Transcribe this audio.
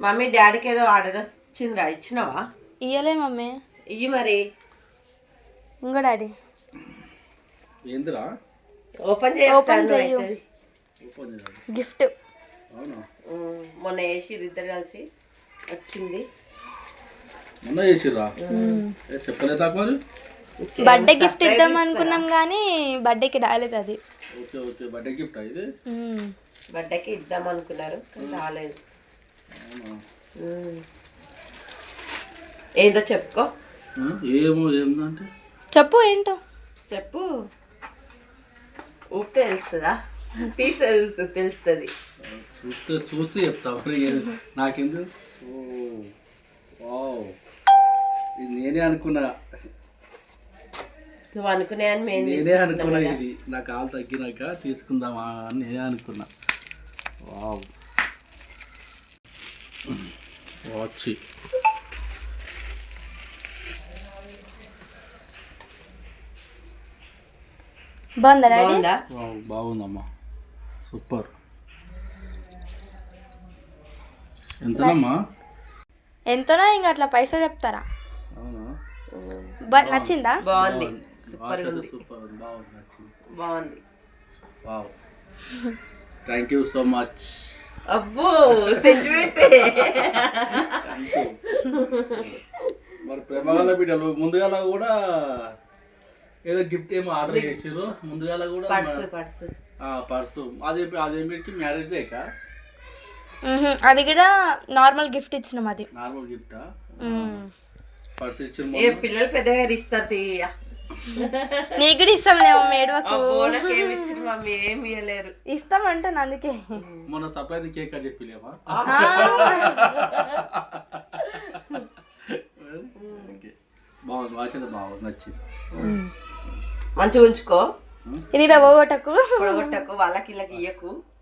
Mummy డాడీకి ఏదో order వచ్చిందిరా, ఇచ్చినావా? ఇయ్యలే మమ్మీ. ఇయ్యి మరి. ఇంకో డాడీ ఏందిరా? ఓపెన్ చెయ్యు. గిఫ్ట్ మొన్న వేసి ఇద్దరు కలిసి వచ్చింది. మొన్న చేసిర్రా? చెప్పలేదా మరి? బర్త్డే గిఫ్ట్ ఇద్దాం అనుకున్నాం కానీ బర్త్డేకి రాలేదు అది. ఓకే ఓకే, బర్త్డే గిఫ్ట్ ఇది. బర్త్డేకి ఇద్దాం అనుకున్నారు కానీ రాలేదు. ఏందో చెప్పుకో. ఏమో ఏందంటే చెప్పు ఏంటో చెప్పు. ఊపితే తెలుస్తుందా? తీస్తే తెలుస్తుంది. చూసి చెప్తా. నాకెందు ఇది నేనే అనుకున్నా. నువ్వు అనుకునే అని నేనే అనుకున్నా. ఇది నా కాలు తగ్గినాక తీసుకుందామా అని నేనే అనుకున్నా. Wow, watch. బాగుందా డాడీ? బాగుందమ్మా, సూపర్. ఎంతనమ్మా? ఎంతనో ఇంకా అట్లా పైసలు చెప్తారా? అవునా? నచ్చిందా? బాగుంది, సూపర్ బాగుంది, నచ్చింది, బాగుంది. Wow, thank you so much. అబ్బో సెంటిమెంట్. మరి ప్రేమగల బిడ్డలు ముందుగా కూడా ఏదో గిఫ్ట్ ఏమో ఆర్డర్ చేసారు. ముందుగా కూడా పర్సు. అదేమిటికి మ్యారేజ్ డే కా? అది కూడా నార్మల్ గిఫ్ట్ ఇచ్చినాం. అది నార్మల్ గిఫ్టా? పర్సు ఇచ్చిన పిల్లలు పెద్దగా ఇస్తారు. తీయ నీకు కూడా ఇస్తాంలేమో మేడవకు. మమ్మీ ఏమి ఇవ్వలేరు. ఇస్తామంటాను అందుకే. మొన్న సర్ప్రైజ్ కేక్ అని చెప్పలేమా? బాగుంది, వాచ్ అయితే బాగుంది, నచ్చింది. మంచిగా ఉంచుకో. ఇది పోగొట్టకు, పొడగొట్టకు, వాళ్ళకి ఇళ్ళకి ఇయ్యకు.